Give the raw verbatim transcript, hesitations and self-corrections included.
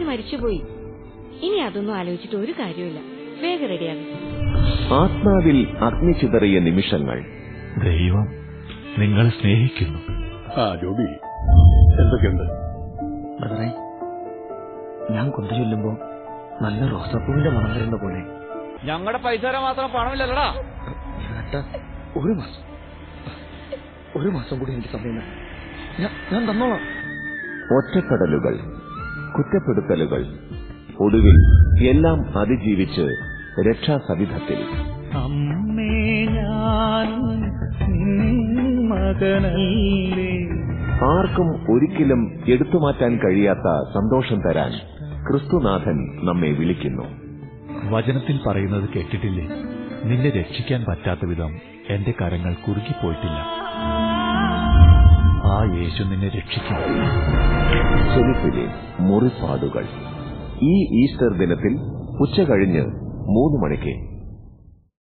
മരിച്ചുപോയി. ഇനി അതൊന്നും ആലോചിച്ചിട്ട് ഒരു കാര്യമില്ല. വേഗം റെഡിയാകും. ആത്മാവിൽ അഗ്നി ചിതറിയ നിമിഷങ്ങൾ. ദൈവം നിങ്ങളെ സ്നേഹിക്കുന്നു. ആ ജോബി, എന്തൊക്കെയുണ്ട്? ഞാൻ കൊണ്ടു ചൊല്ലുമ്പോ നല്ല റോസാപ്പൂവിന്റെ മണം വരുന്ന പോലെ. ഞങ്ങളുടെ പൈസ തരാൻ മാത്രം പണമില്ലല്ലടാ. ഒരു മാസം ഒരു മാസം കൂടി എനിക്ക് സമയം ഞാൻ തന്നോളാം. ഒറ്റപ്പെടലുകൾ, കുറ്റപ്പെടുത്തലുകൾ, ഒടുവിൽ എല്ലാം അതിജീവിച്ച് രക്ഷാസവിധത്തിൽ. അമ്മേ ഞാൻ മകനല്ലേ. ആർക്കും ഒരിക്കലും എടുത്തുമാറ്റാൻ കഴിയാത്ത സന്തോഷം തരാൻ ക്രിസ്തുനാഥൻ നമ്മെ വിളിക്കുന്നു. വചനത്തിൽ പറയുന്നത് കേട്ടിട്ടില്ലേ? നിന്നെ രക്ഷിക്കാൻ പറ്റാത്ത വിധം എന്റെ കരങ്ങൾ കുറുകിപ്പോയിട്ടില്ല. ആ യേശു നിന്നെ രക്ഷിക്കും. ഫിലിപ്പിലെ മുറിപ്പാടുകൾ ഈ ഈസ്റ്റർ ദിനത്തിൽ ഉച്ച കഴിഞ്ഞ് മൂന്ന് മണിക്ക്